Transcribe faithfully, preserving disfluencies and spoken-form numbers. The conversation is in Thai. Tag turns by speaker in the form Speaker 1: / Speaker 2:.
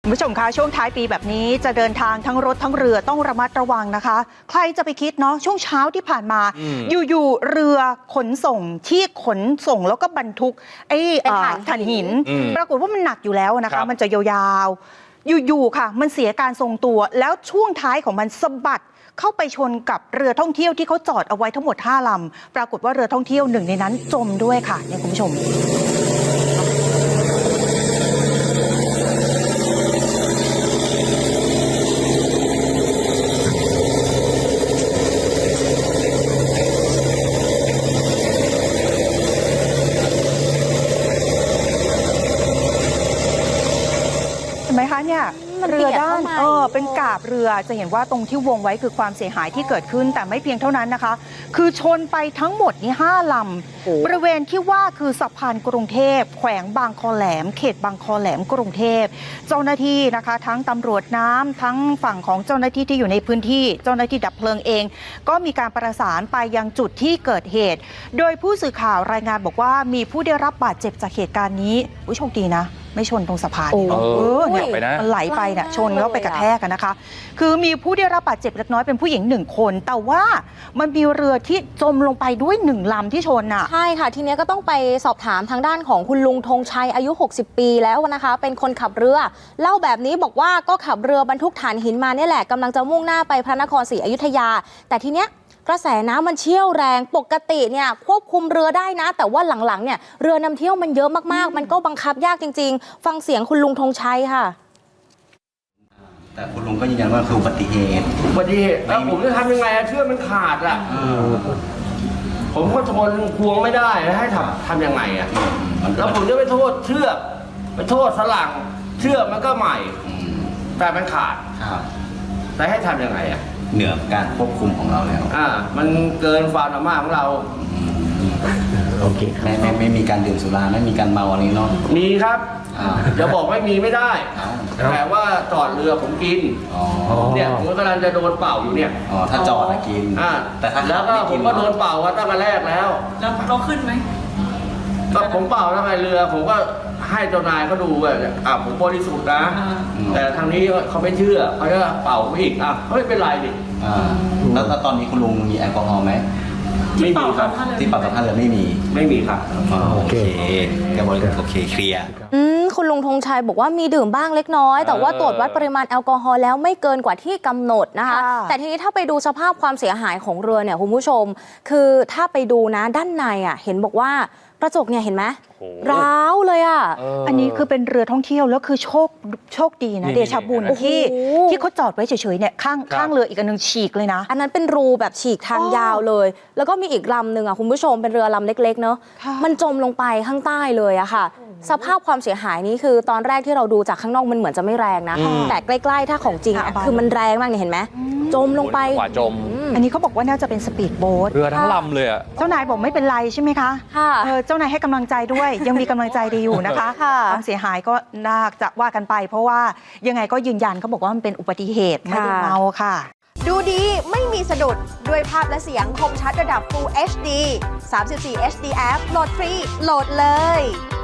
Speaker 1: คุณผู้ชมคะช่วงท้ายปีแบบนี้จะเดินทางทั้งรถทั้งเรือต้องระมัดระวังนะคะใครจะไปคิดเนาะช่วงเช้าที่ผ่านมาอยู่ๆเรือขนส่งที่ขนส่งแล้วก็บรรทุกไอ้ถ่านหินปรากฏว่ามันหนักอยู่แล้วนะคะมันจะยาวๆอยู่ๆค่ะมันเสียการทรงตัวแล้วช่วงท้ายของมันสะบัดเข้าไปชนกับเรือท่องเที่ยวที่เขาจอดเอาไว้ทั้งหมดห้าลำปรากฏว่าเรือท่องเที่ยวหนึ่งในนั้นจมด้วยค่ะเนี่ยคุณผู้ชมเห็นไหมคะเนี่ยเรือด้านเออเป็นกาบเรือจะเห็นว่าตรงที่วงไว้คือความเสียหายที่เกิดขึ้นแต่ไม่เพียงเท่านั้นนะคะคือชนไปทั้งหมดนี้ห้าลำบริเวณที่ว่าคือสะพานกรุงเทพแขวงบางคอแหลมเขตบางคอแหลมกรุงเทพเจ้าหน้าที่นะคะทั้งตำรวจน้ำทั้งฝั่งของเจ้าหน้าที่ที่อยู่ในพื้นที่เจ้าหน้าที่ดับเพลิงเองก็มีการประสานไปยังจุดที่เกิดเหตุโดยผู้สื่อข่าวรายงานบอกว่ามีผู้ได้รับบาดเจ็บจากเหตุการณ์นี้โชคดีนะไม่ชนตรงสะพานเออเนี่ยมันไหลไปเนี่ยชนแล้วไปกระแทกกันนะคะคือมีผู้ได้รับบาดเจ็บเล็กน้อยเป็นผู้หญิงหนึ่งคนแต่ว่ามันมีเรือที่จมลงไปด้วยหนึ่งลำที่ชนอ่ะ
Speaker 2: ใช่ค่ะทีนี้ก็ต้องไปสอบถามทางด้านของคุณลุงธงชัยอายุหกสิบปีแล้วนะคะเป็นคนขับเรือเล่าแบบนี้บอกว่าก็ขับเรือบรรทุกถ่านหินมาเนี่ยแหละกำลังจะมุ่งหน้าไปพระนครศรีอยุธยาแต่ทีเนี้ยกระแสน้ำมันเชี่ยวแรงปกติเนี่ยควบคุมเรือได้นะแต่ว่าหลังๆเนี่ยเรือนำเที่ยวมันเยอะมากๆมันก็บังคับยากจริงๆฟังเสียงคุณลุงธงชัยค่ะ
Speaker 3: แต่คุณลุงก็ยืนยันว่าคืออุบัติเหตุ
Speaker 4: อุบัติเหตุแล้วผมจะทำยังไงเชือกมันขาดอ่ะผมก็ทนควงไม่ได้ให้ทำทำยังไงอ่ะแล้วผมจะไปโทษเชือกไปโทษสลังเชือกมันก็ใหม่แต่มันขาดแต่ให้ทำยังไงอ่ะ
Speaker 3: เหนือการควบคุมของเราแล้ว
Speaker 4: อ่ามันเกินความสามารถของเรา
Speaker 3: โอเคไม่ไม่ไม่มีการดื่มสุราไม่มีการเมาอะไรเนาะ
Speaker 4: มีครับจะบอกไม่มีไม่ได้แต่ว่าจอดเรือผมกินเนี่ยผมกำลังจะโดนเป่าอยู่เนี่ย
Speaker 3: อ๋อถ้าจอดนะกิน
Speaker 4: อ่าแต่แล้วก็ผมก็โดนเป่าตั้งแต่แรกแล้ว
Speaker 5: แล้วเราขึ้นไหม
Speaker 4: ก็ผมเป่าทำไมเรือผมก็ให้เจ้านายเขาดูว่าอ่ะผมบริสุทธิ์นะแต่ทางนี้เขาไม่เชื่อเขาจะเป่าไม่อีกอ่ะเขาไม่เป็นไรดิ
Speaker 3: แล้วตอนนี้คุณลุงมีแอลกอฮอล์ไหม
Speaker 4: ไม่มีครับ
Speaker 3: ที่เป่ากับท่านเรือไม่มี
Speaker 4: ไม่มีครับ
Speaker 3: โอเคแกบริสุทธิ์โอเคเคลียร์
Speaker 2: คุณลุงธงชัยบอกว่ามีดื่มบ้างเล็กน้อยแต่ว่าตรวจวัดปริมาณแอลกอฮอล์แล้วไม่เกินกว่าที่กำหนดนะคะแต่ทีนี้ถ้าไปดูสภาพความเสียหายของเรือเนี่ยคุณผู้ชมคือถ้าไปดูนะด้านในอ่ะเห็นบอกว่ากระจกเนี่ยเห็นไหมร้าวเลยอ่ะ
Speaker 1: อันนี้คือเป็นเรือท่องเที่ยวแล้วคือโชคโชคดีนะเดชบุญที่ที่เขาจอดไว้เฉยๆเนี่ยข้างข้างเรืออีกอันนึงฉีกเลยนะ
Speaker 2: อันนั้นเป็นรูแบบฉีกทางยาวเลยแล้วก็มีอีกลำหนึ่งอ่ะคุณผู้ชมเป็นเรือลำเล็กๆเนอะมันจมลงไปข้างใต้เลยอะค่ะสภาพความเสียหายนี้คือตอนแรกที่เราดูจากข้างนอกมันเหมือนจะไม่แรงนะแต่ใกล้ๆถ้าของจริงคือมันแรงมากเนี่ยเห็นไหมจมลงไป
Speaker 6: กว่าจม
Speaker 1: อันนี้เขาบอกว่าน่าจะเป็นสปีดโบ๊ท
Speaker 6: เรือทั้งลำเลยอะ
Speaker 1: เจ้านายบอกไม่เป็นไรใช่ไหมคะ
Speaker 2: ค่ะ
Speaker 1: เจ้านายให้กำลังใจด้วยยังมีกำลังใจดีอยู่นะคะความเสียหายก็น่าจะว่ากันไปเพราะว่ายังไงก็ยืนยันเขาบอกว่ามันเป็นอุบัติเหตุไม่ได้เมาค่ะ
Speaker 7: ดูดีไม่มีสะดุดด้วยภาพและเสียงคมชัดระดับ Full เอช ดี สามสิบสี่ เอช ดี แอป โหลดฟรีโหลดเลย